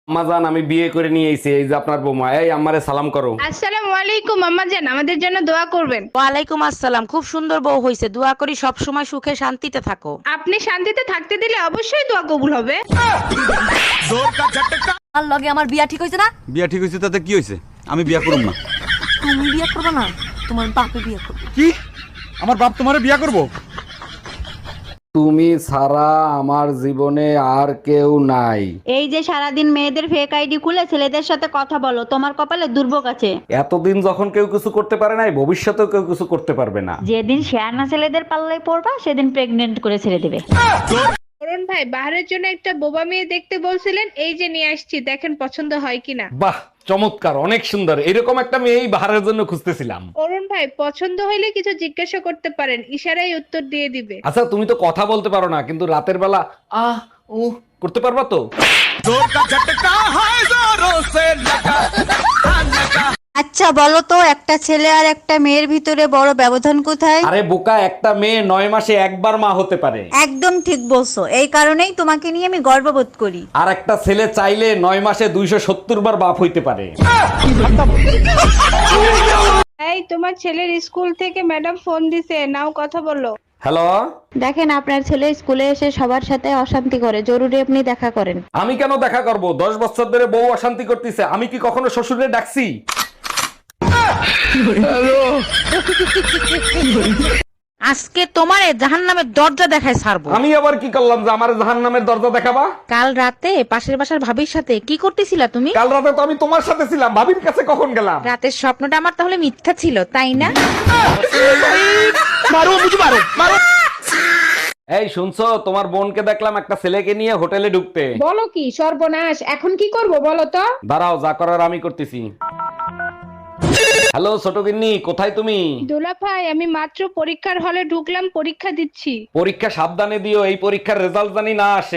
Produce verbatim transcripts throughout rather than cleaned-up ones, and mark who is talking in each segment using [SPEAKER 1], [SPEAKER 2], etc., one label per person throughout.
[SPEAKER 1] আম্মাজান, আমি বিয়ে করে নিয়ে এসেছি, এই যে আপনার বৌমা। এই আম্মারে সালাম করো।
[SPEAKER 2] আসসালামু আলাইকুম আম্মা জান, আমাদের জন্য দোয়া করবেন।
[SPEAKER 3] ওয়ালাইকুম আসসালাম। খুব সুন্দর বউ হইছে, দোয়া করি সব সময় সুখে শান্তিতে থাকো।
[SPEAKER 2] আপনি শান্তিতে থাকতে দিলে অবশ্যই দোয়া কবুল হবে।
[SPEAKER 4] আর লগে আমার বিয়া ঠিক হইছে না?
[SPEAKER 5] বিয়া ঠিক হয়েছে তাতে কি হয়েছে? আমি বিয়া করব না।
[SPEAKER 4] তুমি বিয়া করবে না, তোমার বাপে বিয়া করবে।
[SPEAKER 5] কি? আমার বাপ তোমারে বিয়া করব?
[SPEAKER 1] তুমি ছাড়া আমার জীবনে আর কেউ নাই।
[SPEAKER 6] এই যে সারাদিন মেয়েদের ফেক আইডি খুলে ছেলেদের সাথে কথা বলো, তোমার কপালে দুর্ভোগ আছে।
[SPEAKER 1] এতদিন যখন কেউ কিছু করতে পারে নাই, ভবিষ্যতেও কেউ কিছু করতে পারবে না।
[SPEAKER 6] যেদিন শেয়ানা ছেলেদের পাল্লায় পড়বা সেদিন প্রেগনেন্ট করে ছেড়ে দেবে।
[SPEAKER 2] অরুণ ভাই, বাহারের জন্য একটা বোবা মেয়ে দেখতে বলছিলেন, এই যে নিয়ে আসছি, দেখেন পছন্দ হয় কিনা।
[SPEAKER 1] বাহ, চমৎকার, অনেক সুন্দর। এরকম একটা মেয়েই বাহারের জন্য খুঁজতেছিলাম।
[SPEAKER 2] অরুণ ভাই, পছন্দ হইলে কিছু জিজ্ঞাসা করতে পারেন, ইশারায় উত্তর দিয়ে দিবে।
[SPEAKER 1] আচ্ছা, তুমি তো কথা বলতে পারো না, কিন্তু রাতের বেলা আহ উ করতে পারবা তো?
[SPEAKER 6] আচ্ছা বলো তো, একটা ছেলে আর একটা মেয়ের ভিতরে বড় ব্যবধান কোথায়?
[SPEAKER 1] আরে বোকা, একটা মেয়ে নয় মাসে একবার মা হতে পারে।
[SPEAKER 6] একদম ঠিক বলছো, এই কারণেই তোমাকে নিয়ে আমি গর্ববোধ করি।
[SPEAKER 1] আর একটা ছেলে চাইলে নয় মাসে দুইশো সত্তর বার বাপ হইতে পারে।
[SPEAKER 2] এই, তোমার ছেলের স্কুল থেকে ম্যাডাম ফোন দিছে, নাও কথা বলো।
[SPEAKER 1] হ্যালো,
[SPEAKER 6] দেখেন আপনার ছেলে স্কুলে এসে সবার সাথে অশান্তি করে, জরুরি আপনি দেখা করেন।
[SPEAKER 1] আমি কেন দেখা করব? দশ বছর ধরে বউ অশান্তি করতেছে, আমি কি কখনো শ্বশুরে ডাকছি?
[SPEAKER 3] আজকে তোমারে জাহান্নামের দরজা দেখায় ছাড়বো।
[SPEAKER 1] আমি আবার কি করলাম যে আমার জাহান্নামের দরজা দেখাবা?
[SPEAKER 3] কাল রাতে পাশের বাসার ভাবির সাথে কি করতেছিলা তুমি?
[SPEAKER 1] কাল রাতে তো আমি তোমার সাথে ছিলাম, ভাবির কাছে কখন গেলাম?
[SPEAKER 3] রাতের স্বপ্নটা আমার তাহলে মিথ্যা ছিল, তাই না?
[SPEAKER 1] এই শুনছো, তোমার বোনকে দেখলাম একটা ছেলেকে নিয়ে হোটেলে ঢুকতে।
[SPEAKER 2] বলো কি সর্বনাশ, এখন কি করব বলো তো।
[SPEAKER 1] দাঁড়াও, যা করার আমি করতেছি। হ্যালো ছোট গিন্নি, কোথায় তুমি?
[SPEAKER 2] দোলা ভাই, আমি মাত্র পরীক্ষার হলে ঢুকলাম, পরীক্ষা দিচ্ছি।
[SPEAKER 1] পরীক্ষা সাবধানে দিও, এই পরীক্ষার রেজাল্ট জানি না আসে।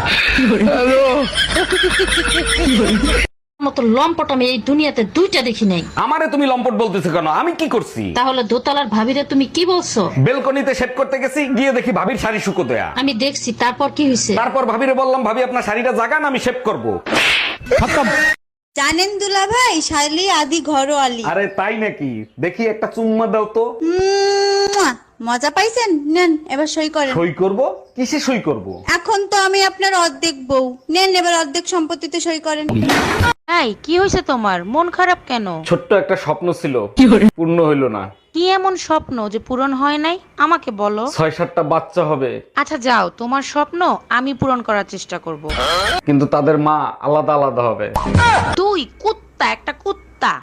[SPEAKER 4] মতো লম্পট আমি এই দুনিয়াতে দুইটা দেখি নাই।
[SPEAKER 1] আমারে তুমি লম্পট বলতেছো কেন? আমি কি করছি?
[SPEAKER 4] তাহলে দোতলার ভাবিরে তুমি কি বলছো?
[SPEAKER 1] বেলকনিতে সেট করতে গেছি, গিয়ে দেখি ভাবির শাড়ি শুকো দেয়া।
[SPEAKER 4] আমি দেখছি, তারপর কি হয়েছে?
[SPEAKER 1] তারপর ভাবিরে বললাম, ভাবি আপনার শাড়িটা জাগান, আমি শেভ করব।
[SPEAKER 6] জানেন দুলা ভাই, শালি আদি ঘরোয়ালি।
[SPEAKER 1] আরে তাই নাকি? দেখি একটা চুম্মা দাও তো।
[SPEAKER 6] মুয়া! মজা পাইছেন? নেন এবার সই করেন।
[SPEAKER 1] সই করব? কিসে সই করব?
[SPEAKER 6] এখন তো আমি আপনার অর্ধেক বউ, নেন এবার অর্ধেক সম্পত্তিতে সই করেন।
[SPEAKER 3] এই কি হয়েছে তোমার? মন খারাপ কেন?
[SPEAKER 1] ছোট্ট একটা স্বপ্ন ছিল, পূর্ণ হইল না।
[SPEAKER 3] কি এমন স্বপ্ন যে পূরণ হয় নাই? আমাকে বলো।
[SPEAKER 1] ছয় সাতটা বাচ্চা হবে,
[SPEAKER 3] আচ্ছা যাও, তোমার স্বপ্ন আমি পূরণ করার চেষ্টা করব।
[SPEAKER 1] কিন্তু তাদের মা আলাদা আলাদা হবে।
[SPEAKER 3] তুই কুত্তা, একটা কুত্তা।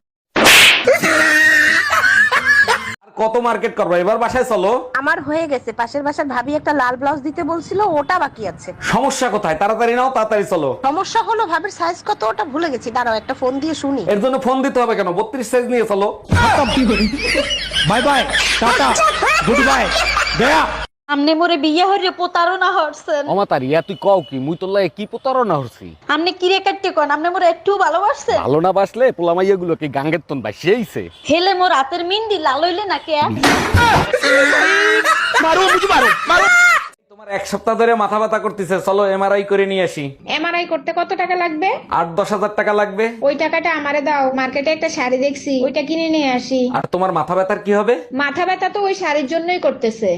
[SPEAKER 1] আর কত মার্কেট করবো? এবার বাসায় চলো।
[SPEAKER 3] আমার হয়ে গেছে, পাশের বাসার ভাবি একটা লাল ব্লাউজ দিতে বলছিল, ওটা বাকি আছে।
[SPEAKER 1] সমস্যা কোথায়? তাড়াতাড়ি নাও, তাড়াতাড়ি চলো।
[SPEAKER 3] সমস্যা হলো ভাবির সাইজ কত ওটা ভুলে গেছি, দাঁড়াও একটা ফোন দিয়ে শুনি।
[SPEAKER 1] এর জন্য ফোন দিতে হবে কেন? বত্রিশ সাইজ নিয়ে চলো।
[SPEAKER 5] Bye bye, tata, good bye, গয়া।
[SPEAKER 4] আমনে মোরে বিয়ে হইরে প্রতারণা হরছেন।
[SPEAKER 1] অমাতার ইয়া, তুই কও কি? মুই তোর লাগে কি প্রতারণা হচ্ছি?
[SPEAKER 4] আমনে কিরে কাটতে কোন, আমনে মোরে একটু ভালোবাসছেন?
[SPEAKER 1] ভালো না বাসলে পোলামাইয়া গুলো কি গাঙ্গের তন বাই সেইছে?
[SPEAKER 4] হেলে মোর রাতের মিন্দি লাল হইলে নাকি?
[SPEAKER 1] তোমার এক সপ্তাহ ধরে মাথা ব্যথা করতেছে, চলো এমআরআই করে নিয়ে আসি।
[SPEAKER 2] এমআরআই করতে কত টাকা লাগবে?
[SPEAKER 1] আট দশ হাজার টাকা লাগবে।
[SPEAKER 2] ওই টাকাটা আমারে দাও, মার্কেটে একটা শাড়ি দেখছি, ওইটা কিনে নিয়ে আসি।
[SPEAKER 1] আর তোমার মাথা ব্যথার কি হবে?
[SPEAKER 2] মাথা ব্যথা তো ওই শাড়ির জন্যই করতেছে।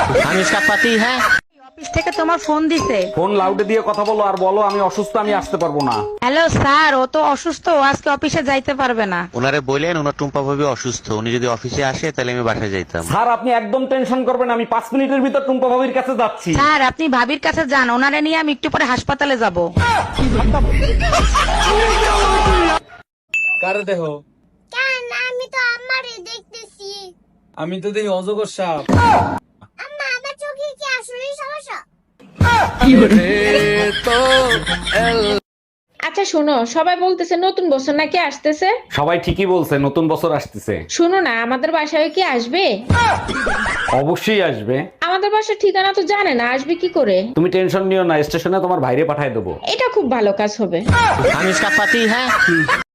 [SPEAKER 3] অফিস থেকে তোমার ফোন দিছে।
[SPEAKER 1] ফোন লাউডে দিয়ে কথা বলো, আর বলো আমি অসুস্থ, আমি আসতে পারবো না।
[SPEAKER 3] হ্যালো স্যার, ও তো অসুস্থ, ও আজকে অফিসে যাইতে পারবে না।
[SPEAKER 7] ওনারে বললেন ওনার টুম্পা ভাবি অসুস্থ, উনি যদি অফিসে আসে তাহলে আমি বাসায় যাইতাম।
[SPEAKER 1] স্যার আপনি একদম টেনশন করবেন, আমি পাঁচ মিনিটের ভিতর টুম্পা ভাবির কাছে যাচ্ছি।
[SPEAKER 3] স্যার আপনি ভাবির কাছে যান, ওনারে নিয়ে আমি একটু পরে হাসপাতালে যাব।
[SPEAKER 8] কারে দেহ?
[SPEAKER 9] কেন? আমি তো আমারে দেখতেছি।
[SPEAKER 8] আমি তো দেখি অজগর সাপ।
[SPEAKER 9] আম্মা, আমার চোখে কি আসলেই সমস্যা?
[SPEAKER 2] আচ্ছা শোনো, সবাই বলতেছে নতুন বছর নাকি আসতেছে।
[SPEAKER 1] সবাই ঠিকই বলছে, নতুন বছর আসতেছে।
[SPEAKER 2] শুনো না, আমাদের বাসায় কি আসবে?
[SPEAKER 1] অবশ্যই আসবে।
[SPEAKER 2] আমাদের বাসার ঠিকানা তো জানে না, আসবে কি করে?
[SPEAKER 1] তুমি টেনশন নিও না, স্টেশনে তোমার ভাইরে পাঠায় দেবো।
[SPEAKER 2] এটা খুব ভালো কাজ হবে।
[SPEAKER 7] আমি ইসকা পাতি হ্যাঁ।